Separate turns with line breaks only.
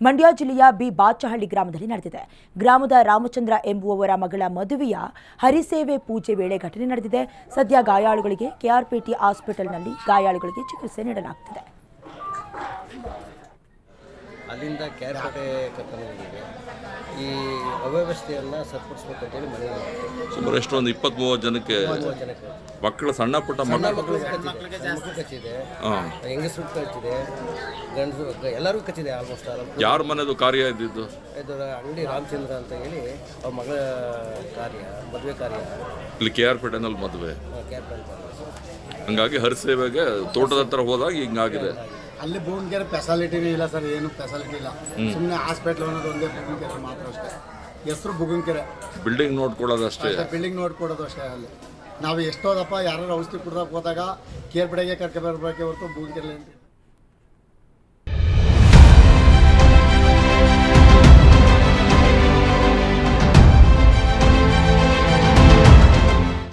ಮಂಡ್ಯ ಜಿಲ್ಲೆಯ ಬಿ ಬಾಚಹಳ್ಳಿ ಗ್ರಾಮದಲ್ಲಿ ನಡೆದಿದೆ. ಗ್ರಾಮದ ರಾಮಚಂದ್ರ ಎಂಬುವವರ ಮಗಳ ಮದುವೆಯ ಹರಿಸೇವೆ ಪೂಜೆ ವೇಳೆ ಘಟನೆ ನಡೆದಿದೆ. ಸದ್ಯ ಗಾಯಾಳುಗಳಿಗೆ ಕೆಆರ್ಪೇಟೆ ಹಾಸ್ಪಿಟಲ್ನಲ್ಲಿ ಗಾಯಾಳುಗಳಿಗೆ ಚಿಕಿತ್ಸೆ ನೀಡಲಾಗುತ್ತಿದೆ.
ಅಲ್ಲಿಂದ ಕೆಆರ್ಪೇಟೆ ಕರ್ಕೊಂಡು ಈ ಅವ್ಯವಸ್ಥೆಯನ್ನು ಸರಿಪಡಿಸಬೇಕು ಅಂತೇಳಿ ಮನವಿ
ಸುಮಾರು ಎಷ್ಟೊಂದು 20-30 ಜನಕ್ಕೆ ಮಕ್ಕಳು ಸಣ್ಣ ಪುಟ್ಟ
ಮಕ್ಕಳು ಕಚ್ಚಿದೆ, ಹೆಂಗಸರು ಕಚ್ಚಿದೆ, ಗಂಡಸರು ಎಲ್ಲರಿಗೂ ಕಚ್ಚಿದೆ. ಆಲ್ಮೋಸ್ಟ್
ಯಾರ ಮನೆದು ಕಾರ್ಯ ಇದ್ದಿದ್ದು?
ಇದು ಅಂಗಡಿ ರಾಮಚಂದ್ರ ಅಂತ ಹೇಳಿ ಅವ್ರ ಮಗಳ ಕಾರ್ಯ, ಮದುವೆ ಕಾರ್ಯ
ಇಲ್ಲಿ ಕೆಆರ್ಪೇಟೆನಲ್ಲಿ ಮದುವೆ.
ಕೆಆರ್ಪೇಟೆ
ಹಂಗಾಗಿ ಹರಿಸೇವೆಗೆ ತೋಟದ ಹತ್ರ ಹೋದಾಗ ಹಿಂಗಾಗಿದೆ.
ಅಲ್ಲಿ ಬೂನ್ಕೆರೆ ಫೆಸಿಲಿಟಿನೇ ಇಲ್ಲ ಸರ್, ಏನು ಫೆಸಿಲಿಟಿ ಇಲ್ಲ. ಸುಮ್ಮನೆ ಹಾಸ್ಪಿಟ್ಲ್ ಅನ್ನೋದು ಒಂದೇ ಬುಗುನ್ಕೆರೆ ಮಾತ್ರ ಅಷ್ಟೇ. ಹೆಸರು ಬುಗುನ್ಕೆರೆ,
ಬಿಲ್ಡಿಂಗ್ ನೋಡ್ಕೊಳ್ಳೋದು ಅಷ್ಟೇ.
ಬಿಲ್ಡಿಂಗ್ ನೋಡ್ಕೊಡೋದು ಅಷ್ಟೇ. ಅಲ್ಲಿ ನಾವು ಎಷ್ಟೋದಪ್ಪ ಯಾರು ಔಷಧಿ ಕುಡ್ದಾಗ ಹೋದಾಗ ಕೇರ್ಪಡೆಗೆ ಕರ್ಕೊಂಡು ಬರಬೇಕೆ ಹೊರತು ಬೂನ್ಕೆರೆ